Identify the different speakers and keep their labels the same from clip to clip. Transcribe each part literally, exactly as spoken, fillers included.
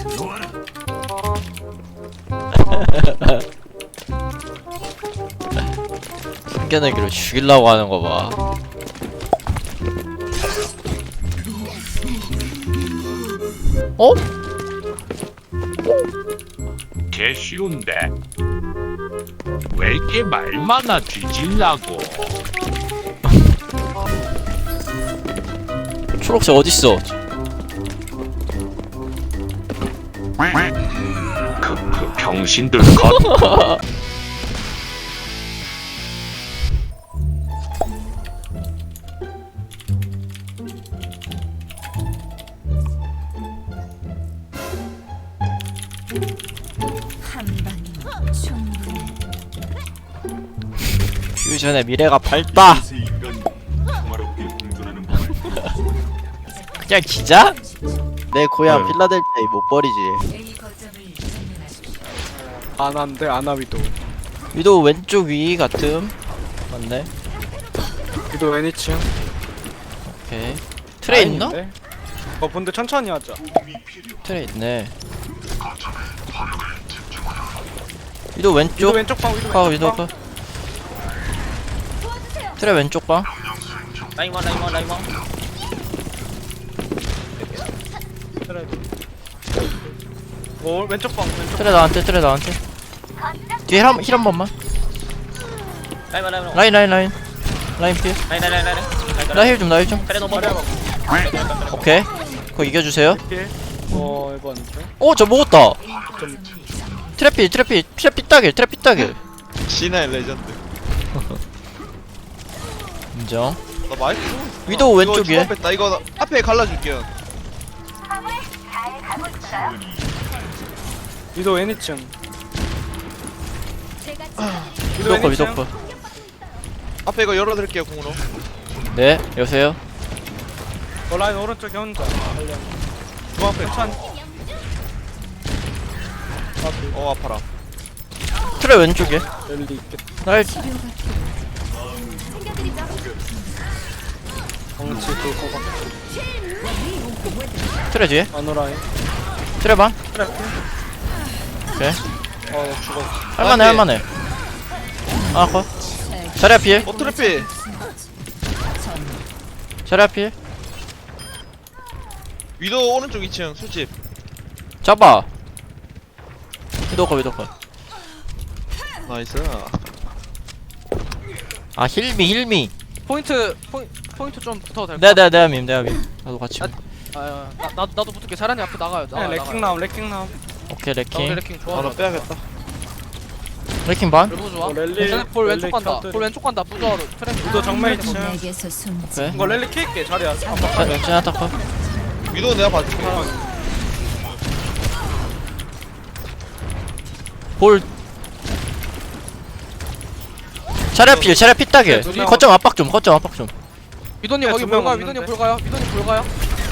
Speaker 1: 숨겨내기로 죽이려고 하는 거 봐. 어?
Speaker 2: 개 쉬운데 왜 이렇게 말많아 뒤질라고.
Speaker 1: 초록색 어딨어?
Speaker 2: 그, 그 병신들 컷.
Speaker 1: 퓨전의 미래가 밝다. 그냥 기자? 내 고향
Speaker 2: 네.
Speaker 1: 필라델피아 못 버리지.
Speaker 3: 안한데 아나위도.
Speaker 1: 위도 왼쪽 위 같음. 맞네.
Speaker 3: 위도 애니층.
Speaker 1: 오케이. 트레 있나?
Speaker 3: 어 근데 천천히 하자.
Speaker 1: 트레 있네. 위도
Speaker 3: 위도
Speaker 1: 왼쪽.
Speaker 3: 왼쪽 방 위도
Speaker 1: 아
Speaker 3: 왼쪽
Speaker 1: 위도
Speaker 3: 방.
Speaker 1: 봐. 트레 왼쪽 봐.
Speaker 4: 라이먼 라이먼 라이먼.
Speaker 3: 그래. 어 왼쪽 방 왼쪽.
Speaker 1: 트레 나한테 트레 나한테. 뒤에 힐 한, 힐 한 번만.
Speaker 4: 라이먼 라이먼.
Speaker 1: 라인 라인 라인. 라인 필.
Speaker 4: 라인 라인 라인 라인.
Speaker 1: 나 힐 좀 나 힐 좀.
Speaker 4: 그래 넘어.
Speaker 1: 오케이. 그거 이겨주세요.
Speaker 3: 필. 어 이번.
Speaker 1: 오 저 먹었다.
Speaker 3: 좀
Speaker 1: 트래필 트래필 트래필 따길 트래필 따길.
Speaker 5: 신의 레전드.
Speaker 1: 인정.
Speaker 5: 나 마이크.
Speaker 1: 위도우 왼쪽이에.
Speaker 5: 나 이거 나- 앞에 갈라줄게요.
Speaker 3: 위도 애니층.
Speaker 1: 위도 거 위도 거.
Speaker 5: 앞에 이거 열어드릴게요 공으로.
Speaker 1: 네 여보세요.
Speaker 3: 어 라인 오른쪽에 혼자. 달려.
Speaker 5: 중 앞에.
Speaker 3: 천천히.
Speaker 5: 어 아파라.
Speaker 1: 트레 왼쪽에.
Speaker 3: 랠리 있겠다.
Speaker 1: 날
Speaker 3: 덩치 그거 봐.
Speaker 1: 트레 뒤에.
Speaker 3: 아노라인.
Speaker 1: 트레 반.
Speaker 3: 그래.
Speaker 1: 오케이.
Speaker 3: 어 죽어.
Speaker 1: 할만해
Speaker 5: 돼.
Speaker 1: 할만해. 아 거. 자리 앞필.
Speaker 5: 어 트래피.
Speaker 1: 자리 앞필.
Speaker 5: 위도 오른쪽 이 층 술집.
Speaker 1: 잡아. 위도 거 위도 거.
Speaker 5: 나이스.
Speaker 1: 아 힐미 힐미.
Speaker 6: 포인트 포인, 포인트 좀 붙어도 될까?
Speaker 1: 내가 내가 내가 밈 내가 밈. 나도 같이.
Speaker 6: 아, 아, 나, 나 나도 붙을게. 사란이 앞에 나가요. 나가.
Speaker 3: 그냥 레킹 나옴 레킹 나옴.
Speaker 1: 오케이
Speaker 6: 나
Speaker 1: 레킹.
Speaker 6: 레킹 좋아.
Speaker 5: 아나 빼야겠다.
Speaker 1: 레킹 반.
Speaker 6: 너무 좋아.
Speaker 3: 어, 랠리-
Speaker 6: 쟤네 볼 왼쪽
Speaker 3: 랠리
Speaker 6: 간다.
Speaker 3: 켜드리-
Speaker 6: 볼 왼쪽 간다. 부조화로 트랙.
Speaker 3: 위도 정면 있층.
Speaker 7: 내게서 숨지.
Speaker 1: 오케이.
Speaker 3: 이거 랠리 킬게 자리야.
Speaker 1: 자 딱 봐.
Speaker 5: 위도 내가 봐줄게.
Speaker 1: 볼. 자리 앞필 자리 앞필 따길.
Speaker 6: 둘이-
Speaker 1: 거점 압박 좀 거점 압박 좀.
Speaker 6: 미도님
Speaker 3: 야,
Speaker 6: 거기
Speaker 3: 두명
Speaker 6: 볼 가요.
Speaker 3: 없는데.
Speaker 6: 미도님 볼 가요. 미도님 볼 가요.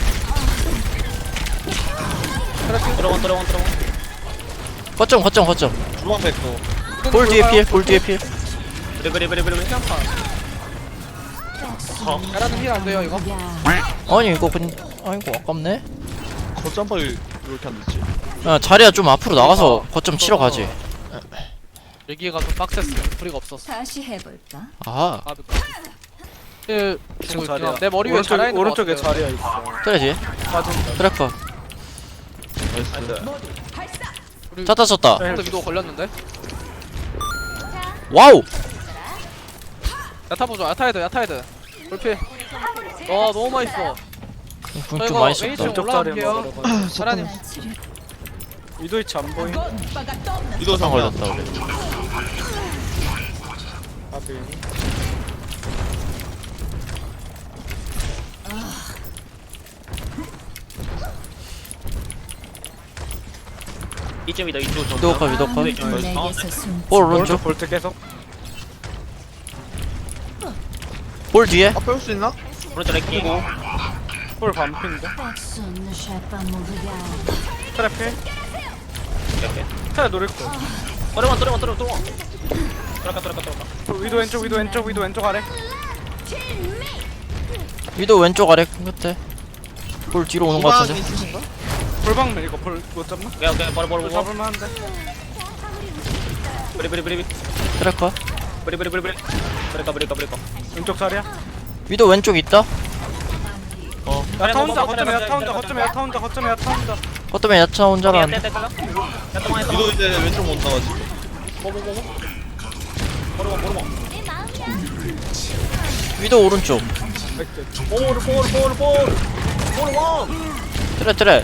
Speaker 4: 들어원 들어원 들어원.
Speaker 1: 거점 거점 거점.
Speaker 5: 주방 뺐고.
Speaker 1: 볼 뒤에 필. 볼 뒤에 필.
Speaker 4: 그래 그래 그래 그래 그래.
Speaker 6: 야라는 힐안 돼요 이거.
Speaker 1: 아니 이거 근 아이고 아깝네.
Speaker 5: 거점벌 이렇게 안 됐지.
Speaker 1: 야 자리야 좀 앞으로 나가서 거점 치러 가지.
Speaker 6: 여기가 좀 빡셌어. 프리가 없었어.
Speaker 7: 다시 해볼까?
Speaker 1: 아하.
Speaker 6: 아, 그
Speaker 3: 지금 자리야.
Speaker 6: 내 머리 위에
Speaker 3: 오른쪽
Speaker 6: 자라 있는
Speaker 3: 오른쪽에
Speaker 6: 것 같아요.
Speaker 3: 자리야 있어.
Speaker 1: 트레지.
Speaker 3: 빠진다.
Speaker 1: 트래커.
Speaker 5: 나이스.
Speaker 6: 우리
Speaker 1: 쳤다 쳤다.
Speaker 6: 근데 미도 걸렸는데.
Speaker 1: 와우.
Speaker 6: 야타 보죠. 야타헤드 야타헤드. 볼피. 와 너무 맛있어.
Speaker 1: 궁
Speaker 6: 저
Speaker 1: 좀
Speaker 6: 이거
Speaker 1: 많이
Speaker 6: 웨이팅
Speaker 1: 썼다.
Speaker 3: 왼쪽 자리에
Speaker 6: 올라갈게요.
Speaker 3: 먹으러
Speaker 6: 사라님.
Speaker 3: 위도 위치 안 보임.
Speaker 5: 위도
Speaker 1: 상
Speaker 5: 상관.
Speaker 1: 걸렸다 우리.
Speaker 3: 아비.
Speaker 4: 이쯤이다 이쪽 좀.
Speaker 1: 위도커 위도커.
Speaker 7: 내게서 숨지.
Speaker 1: 볼
Speaker 3: 오른쪽
Speaker 1: 오른쪽.
Speaker 3: 볼트 계속.
Speaker 1: 볼 뒤에.
Speaker 5: 앞에 올 수 있나?
Speaker 4: 오른쪽 레킹.
Speaker 3: 볼 반핀데.
Speaker 7: Personne ne chape pas mon regard.
Speaker 3: 트래필.
Speaker 4: 이렇게.
Speaker 3: 트래 노릴 거.
Speaker 4: 들어원 들어원 들어원 들어원. 들어가 들어가 들어가.
Speaker 3: 위도 왼쪽 위도 왼쪽 위도 왼쪽 아래.
Speaker 1: 위도 왼쪽 아래 끝에. 볼 뒤로 오는 거
Speaker 5: 주방
Speaker 1: 같은데.
Speaker 5: 있으신가?
Speaker 3: 볼방면 이거 볼 못 잡나?
Speaker 4: 오케이 오케이 버려 버려
Speaker 3: 볼
Speaker 4: 버려
Speaker 3: 잡을만 한데.
Speaker 4: 브리 브리 브리
Speaker 1: 트래커.
Speaker 4: 브리 브리 브리 브리 브레이커 브레이커 브레이커
Speaker 3: 왼쪽 자리야.
Speaker 1: 위도 왼쪽 있다.
Speaker 3: 야타 혼자 거점에 야타 혼자 거점에 야타 혼자 거점에 야타 혼자.
Speaker 1: 어쩌면 야차 혼자라는데.
Speaker 5: 위도 이제 왼쪽 못 나가지.
Speaker 4: 뭐뭐뭐 버려 버려
Speaker 1: 위도 오른쪽.
Speaker 3: 백대.
Speaker 4: 볼 볼 볼 볼 볼원
Speaker 1: 트레 트레.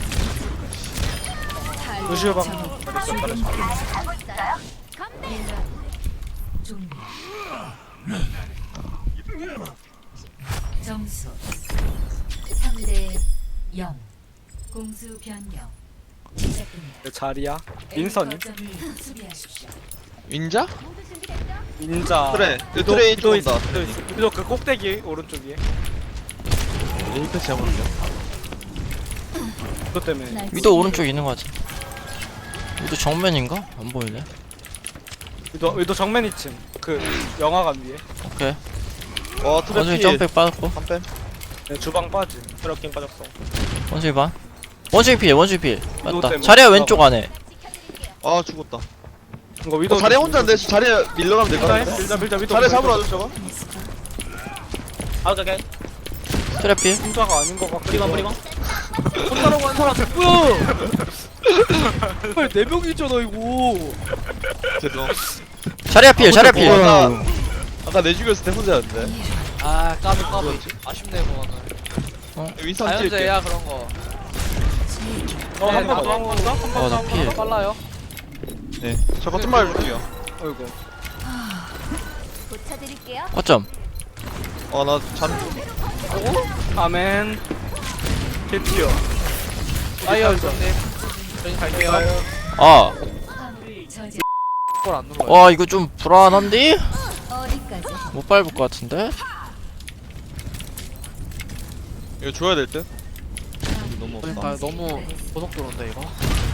Speaker 3: 루시오 방.
Speaker 7: 종료. 점수 삼 대 영. 공수 변경. 시작됩니다.
Speaker 3: 내 자리야. 민선이.
Speaker 7: 거점을 수비하십시오.
Speaker 5: 윈자?
Speaker 3: 민자.
Speaker 5: 그래.
Speaker 3: 위도
Speaker 5: 트레이
Speaker 3: 위도
Speaker 5: 쪽
Speaker 3: 있어.
Speaker 5: 온다.
Speaker 3: 위도 있어. 위도 그 꼭대기 오른쪽 위에.
Speaker 5: 이렇게 잡았네.
Speaker 3: 그것 때문에.
Speaker 7: 날
Speaker 1: 위도 오른쪽 있는 거 같아. 위도 정면인가? 안 보이네.
Speaker 3: 위도 위도 정면 이층. 그 영화관 위에.
Speaker 1: 오케이.
Speaker 5: 와 트랩
Speaker 1: 원숭이
Speaker 5: 피.
Speaker 1: 점백 빠졌고.
Speaker 5: 한 뺨.
Speaker 3: 네, 주방 빠지.
Speaker 4: 트럭킹 빠졌어
Speaker 1: 원숭이 반. 원숭이 필 원숭이 필.
Speaker 3: 위도
Speaker 1: 맞다.
Speaker 3: 때문에.
Speaker 1: 자리야 왼쪽 안에.
Speaker 5: 아 죽었다.
Speaker 3: 이거 위도.
Speaker 5: 어, 자리 혼자인데 자리 밀려가면 될 것
Speaker 3: 밀자
Speaker 5: 같은데.
Speaker 3: 밀자 밀자 위도.
Speaker 5: 자리 잡으러 와줘 저거.
Speaker 4: 아 오케이 오케이
Speaker 1: 트레 필.
Speaker 3: 혼자가 아닌 것 같고.
Speaker 4: 브리방 브리방
Speaker 3: 혼자라고 한 사람 뭐야? 빨리 네 명이잖아 이거.
Speaker 5: 죄송.
Speaker 1: 자리야 필 자리야 필.
Speaker 5: 아까 아까 내 죽였을 때 혼자였는데.
Speaker 6: 아 까비 까비 아쉽네 그거는
Speaker 5: 윈선 찔게.
Speaker 6: 자연재해야 그런 거
Speaker 3: 어,
Speaker 6: 네,
Speaker 3: 한 번
Speaker 6: 나도
Speaker 3: 더, 한 번 더, 한 번
Speaker 1: 어,
Speaker 3: 더,
Speaker 1: 나
Speaker 3: 한 번
Speaker 1: 피해.
Speaker 3: 더.
Speaker 6: 빨라요
Speaker 5: 네. 저 같은 말 줄게요.
Speaker 3: 어이구.
Speaker 7: 고쳐드릴게요.
Speaker 1: 어쩜?
Speaker 5: 아나 잠.
Speaker 3: 아멘. 개티어.
Speaker 6: 아이어 형님 저희 갈게요
Speaker 1: 아.
Speaker 7: 화물을 저지.
Speaker 6: 골안 눌러요
Speaker 1: 와 이거 좀 불안한데?
Speaker 7: 어디까지?
Speaker 1: 못 밟을 것 같은데?
Speaker 5: 이거 줘야 될 듯. 너무 없다.
Speaker 6: 아 너무 고속도로인데 이거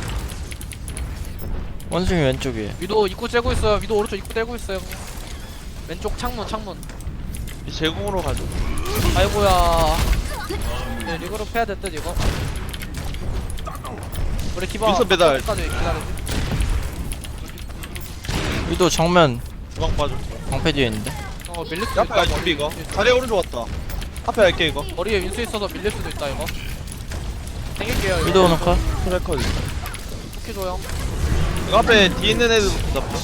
Speaker 1: 원숭이 왼쪽 위에.
Speaker 6: 위도 입구 째고 있어요 위도 오른쪽 입구 째고 있어요 왼쪽 창문 창문
Speaker 5: 이 제공으로 가죠.
Speaker 6: 아이고야 네 리그로 패야 될 듯 이거 우리 기바
Speaker 5: 윈선 배달.
Speaker 6: 까지 기다리지
Speaker 1: 위도 정면
Speaker 5: 주방 빠져.
Speaker 1: 방패 뒤에 있는데.
Speaker 6: 어 밀릴 수도
Speaker 5: 앞에
Speaker 6: 있다
Speaker 5: 준비 이거. 자리 오른쪽 왔다. 앞에 할게 이거.
Speaker 6: 머리에 윈수 있어서 밀릴 수도 있다 이거 생길게요 이거
Speaker 1: 위도 오는 컷.
Speaker 5: 트래커.
Speaker 6: 쿠키 줘요
Speaker 5: 이거 앞에 뒤에 있는 애들 잡다.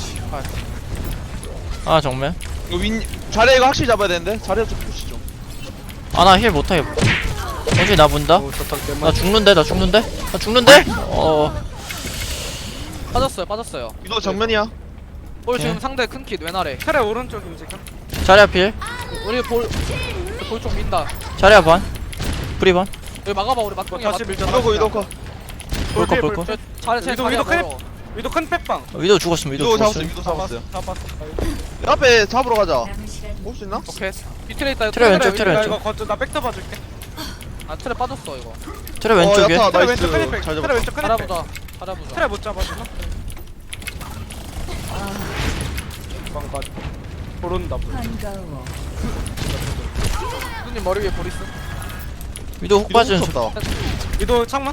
Speaker 1: 아 정면.
Speaker 5: 이거 윈 자리 이거 확실히 잡아야 되는데. 자리 좀 푸시죠.
Speaker 1: 아 나 힐 못하게. 원숭이 나 본다.
Speaker 3: 오, 저딱
Speaker 1: 나
Speaker 3: 때문에.
Speaker 1: 죽는데 나 죽는데? 나 죽는데? 어.
Speaker 6: 빠졌어요 빠졌어요
Speaker 5: 이거 정면이야.
Speaker 6: 볼 지금
Speaker 1: 오케이.
Speaker 6: 상대 큰킷 왼아래
Speaker 3: 차례 오른쪽임 지금.
Speaker 1: 자리야 필.
Speaker 6: 우리 볼 볼쪽 민다
Speaker 1: 자리야 반. 프리 반.
Speaker 6: 여기 막아봐 우리
Speaker 3: 이거
Speaker 6: 막둥이야
Speaker 3: 다시 밀자.
Speaker 5: 이거고 이거고.
Speaker 1: 볼거
Speaker 3: 볼게,
Speaker 1: 볼거.
Speaker 3: 볼게.
Speaker 6: 잘해 제
Speaker 3: 위도,
Speaker 6: 자리야
Speaker 3: 위도 클립.
Speaker 6: 걸어
Speaker 3: 위도 큰 팩방.
Speaker 1: 위도 죽었음 위도
Speaker 5: 이거 잡았어.
Speaker 1: 죽었음.
Speaker 5: 이거 잡았어요.
Speaker 3: 잡았어.
Speaker 5: 앞에 잡으러 가자.
Speaker 7: 남은 시간
Speaker 5: 올 수 있나?
Speaker 6: 오케이 밑에 있다
Speaker 1: 트레 왼쪽,
Speaker 3: 나
Speaker 1: 트레 왼쪽.
Speaker 3: 이거 거쳐 나 백터 봐줄게.
Speaker 6: 아 트레 빠졌어 이거
Speaker 1: 트레 왼쪽에.
Speaker 5: 어, 야타
Speaker 3: 트레
Speaker 5: 나이스.
Speaker 3: 왼쪽 클립 팩.
Speaker 5: 잘
Speaker 3: 트레
Speaker 5: 잡았다.
Speaker 3: 왼쪽 클립 팩.
Speaker 6: 잘해보자 잘해보자
Speaker 3: 트레 못 잡아주나? 방까지. 모른다.
Speaker 7: 반가워.
Speaker 6: 누님 머리 위에 볼 있어
Speaker 1: 위도 훅 빠지는 척.
Speaker 5: 다
Speaker 3: 위도 창문.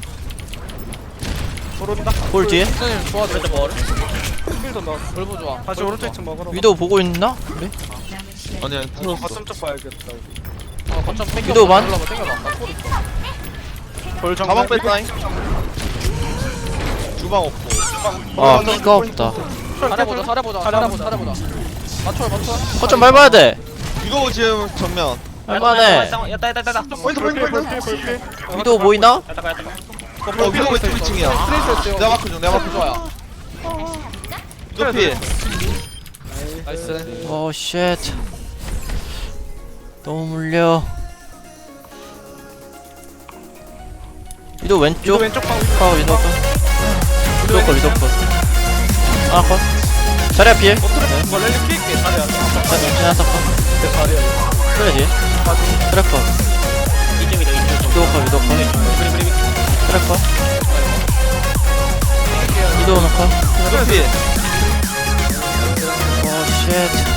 Speaker 3: 모른다.
Speaker 1: 볼 뒤에.
Speaker 6: 누님 좋아
Speaker 4: 왼쪽 볼
Speaker 3: 필도 넣어.
Speaker 6: 볼보 좋아
Speaker 3: 다시
Speaker 6: 볼보
Speaker 3: 오른쪽
Speaker 6: 좋아.
Speaker 3: 이층 먹으러.
Speaker 1: 위도 보고 있나? 우리?
Speaker 7: 남은 시간
Speaker 5: 아니야.
Speaker 3: 이거
Speaker 5: 틀었어.
Speaker 3: 거점 쪽 봐야겠다.
Speaker 6: 어 거점 땡겨
Speaker 1: 위도 반?
Speaker 6: 올라봐 땡겨봐 나볼 있어
Speaker 3: 볼 정면.
Speaker 5: 가방 뺐다잉. 주방 없고.
Speaker 1: 아 피가 없다.
Speaker 6: 잘해보자 잘해보자 잘해보자 잘해보자 맞춰 맞춰
Speaker 1: 거점 밟아야 돼.
Speaker 5: 이거 지금 정면.
Speaker 1: 할만해.
Speaker 4: 야따 야따 야따
Speaker 5: 포인트 포인트 포인트.
Speaker 1: 위도 보이나?
Speaker 4: 야따 야따
Speaker 5: 어 위도 왼쪽 이 층이야.
Speaker 6: 스트레스
Speaker 5: 내가 마크 중. 내가 마크 중.
Speaker 6: 좋아요
Speaker 5: 이거 피.
Speaker 6: 나이스
Speaker 1: 오 쉣. 너무 물려. 위도 왼쪽.
Speaker 3: 위도 왼쪽 방.
Speaker 1: 아 위도 컷. 위도 컷 위도 컷. 아 컷. 자리야 필.
Speaker 3: 이거 랠리 피할게. 잘해야 돼.
Speaker 1: 지나다 컷.
Speaker 3: 잘해야
Speaker 1: 그래야지. 트래커.
Speaker 4: 이쪽이다 이쪽
Speaker 1: 위도 컷 위도 컷.
Speaker 4: 브리 브리
Speaker 1: 트래커. 위도 오는 컷.
Speaker 5: 이거 피.
Speaker 1: 오 쉣.